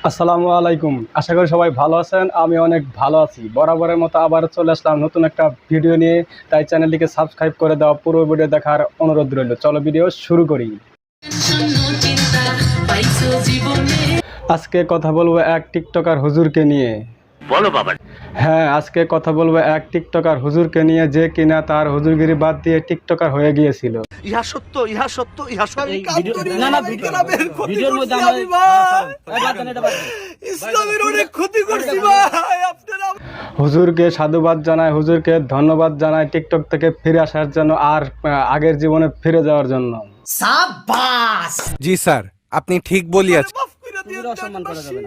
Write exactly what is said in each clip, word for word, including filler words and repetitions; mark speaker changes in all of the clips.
Speaker 1: আসসালামু আলাইকুম। আশা করি সবাই ভালো আছেন। আমি অনেক ভালো আছি। বরাবরের মতো আবার চলে আসলাম নতুন একটা ভিডিও নিয়ে। তাই চ্যানেলটিকে সাবস্ক্রাইব করে দেওয়া, পুরো ভিডিও দেখার অনুরোধ রইল। চলো ভিডিও শুরু করি। আজকে কথা বলবো এক টিকটকার হুজুরকে নিয়ে।
Speaker 2: বলো বাবা।
Speaker 1: হ্যাঁ, আজকে কথা বলবো এক টিকটকার হুজুরকে নিয়ে, যে কিনা তার হুজুরগিরি বাদ দিয়ে টিকটকার হয়ে গিয়েছিল।
Speaker 2: ইহা সত্য, ইহা সত্য, ইহা সত্য।
Speaker 3: না না ভিডিওর মধ্যে
Speaker 2: ইসলামের অনেক ক্ষতি করছি ভাই আপনারা।
Speaker 1: হুজুরকে সাধুবাদ জানায়, হুজুরকে ধন্যবাদ জানায় টিকটক থেকে ফিরে আসার জন্য আর আহ, আগের জীবনে ফিরে যাওয়ার জন্য।
Speaker 3: সাবাস।
Speaker 4: জি স্যার, আপনি ঠিক বলিয়াছেন।
Speaker 2: মাফ করে দিও,
Speaker 3: অসম্মান করা যাবে না।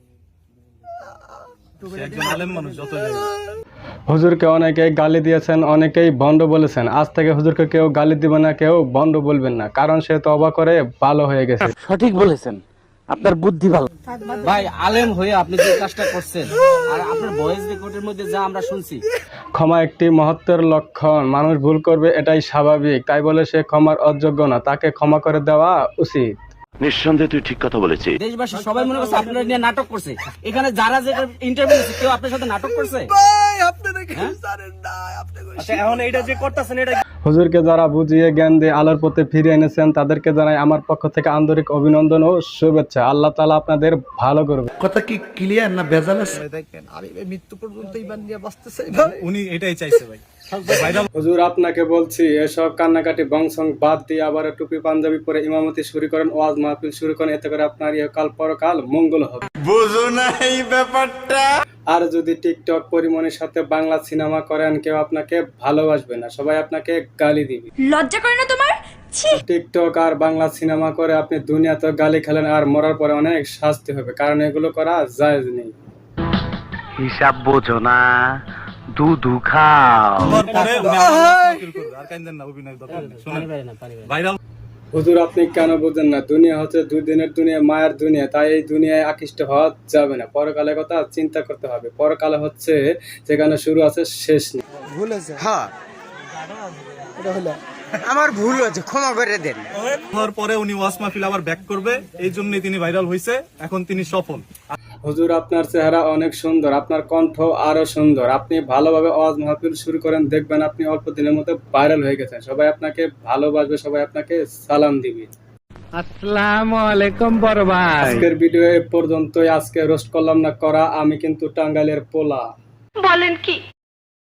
Speaker 1: হুজুরকে অনেকেই গালি দিয়েছেন, অনেকেই ভণ্ড বলেছেন। আজ থেকে হুজুরকে কেউ গালি দিবে না, কেউ ভণ্ড বলবেন না, কারণ সে তওবা করে ভালো হয়ে গেছে।
Speaker 3: সঠিক বলেছেন, আপনার বুদ্ধি ভালো। ভাই আলেম হয়ে আপনি যে কাজটা করছেন আর আপনার ভয়েস রেকর্ডের মধ্যে যা আমরা শুনছি,
Speaker 1: ক্ষমা একটি মহত্বের লক্ষণ। মানুষ ভুল করবে, এটাই স্বাভাবিক। তাই বলে সে ক্ষমার অযোগ্য না, তাকে ক্ষমা করে দেওয়া উচিত।
Speaker 2: নিঃসন্দেহে তুই ঠিক কথা বলেছিস।
Speaker 3: দেশবাসী সবাই মনে করছে আপনারা নিয়ে নাটক করছে। এখানে যারা যে ইন্টারভিউ দিচ্ছে কেউ আপনার সাথে নাটক করছে?
Speaker 2: ভাই আপনারা কি জানেন না, আপনারা
Speaker 3: আচ্ছা এখন এইটা যে করতেছেন এটা
Speaker 1: হুজুরকে যারা বুঝিয়ে জ্ঞান দিয়ে আলোর পথে ফিরিয়ে এনেছেন, তাদেরকে জানাই আমার পক্ষ থেকে আন্তরিক অভিনন্দন ও শুভেচ্ছা। আল্লাহ তাআলা আপনাদের ভালো করবে।
Speaker 5: কথা কি ক্লিয়ার না ভেজাল আছে?
Speaker 2: দেখেন আমি এই মৃত্যু পর্যন্ত ইমান নিয়ে বাঁচতে চাই ভাই।
Speaker 6: উনি এটাই চাইছে ভাই।
Speaker 1: হুজুর আপনাকে বলছি, এসব কান্নাকাটি বংশং বাদ দিয়ে আবার টুপি পাঞ্জাবি পরে ইমামতি শুরু করেন, ওয়াজ মাহফিল শুরু করেন। এতে করে আপনার ইহকাল পরকাল মঙ্গল হবে।
Speaker 5: বুঝো না এই ব্যাপারটা?
Speaker 1: আর যদি টিকটক পরিমণির সাথে বাংলা সিনেমা করেন, কেউ আপনাকে ভালোবাসবে না, সবাই আপনাকে গালি দিবে।
Speaker 7: লজ্জা করে না তোমার? ছি!
Speaker 1: টিকটক আর বাংলা সিনেমা করে আপনি দুনিয়াতে গালি খেলেন, আর মরার পরে অনেক শাস্তি হবে, কারণ এগুলো করা জায়েজ নেই।
Speaker 2: হিসাব বোঝো না, দুধু খাও।
Speaker 6: পরে উনি আবার ফিল করবে, আর কাইন্দেন না, অভিনয় দরকার নেই। শুনেন ভাইরাল
Speaker 1: হুজুর আপনি কেন বুঝেন না? দুনিয়া হচ্ছে দুই দিনের দুনিয়া, মায়ের দুনিয়া। তাই এই দুনিয়ায় আকৃষ্ট হওয়া যাবে না। পরকালের কথা চিন্তা করতে হবে। পরকালে হচ্ছে যেখানে শুরু আছে শেষ নেই।
Speaker 8: ভুল হয়েছে। হ্যাঁ এটা হলো আমার ভুল হয়েছে, ক্ষমা করে দেন।
Speaker 6: হওয়ার পরে উনি ওয়াজ মাহফিল আবার ব্যাক করবে, এই জন্যই তিনি ভাইরাল হয়েছে। এখন তিনি সফল।
Speaker 1: হুজুর আপনার চেহারা অনেক সুন্দর, আপনার কণ্ঠ আরো সুন্দর। আপনি ভালোভাবে ওয়াজ মাহফিল শুরু করেন, দেখবেন আপনি অল্প দিনের মধ্যে ভাইরাল হয়ে গেছেন। সবাই আপনাকে ভালোবাসবে, সবাই আপনাকে সালাম দিবে।
Speaker 9: আসসালামু আলাইকুম বড় ভাই।
Speaker 1: আজকের ভিডিও এ পর্যন্তই। আজকে রোস্ট করলাম না করা, আমি কিন্তু টাঙ্গাইলের পোলা।
Speaker 7: বলেন কি?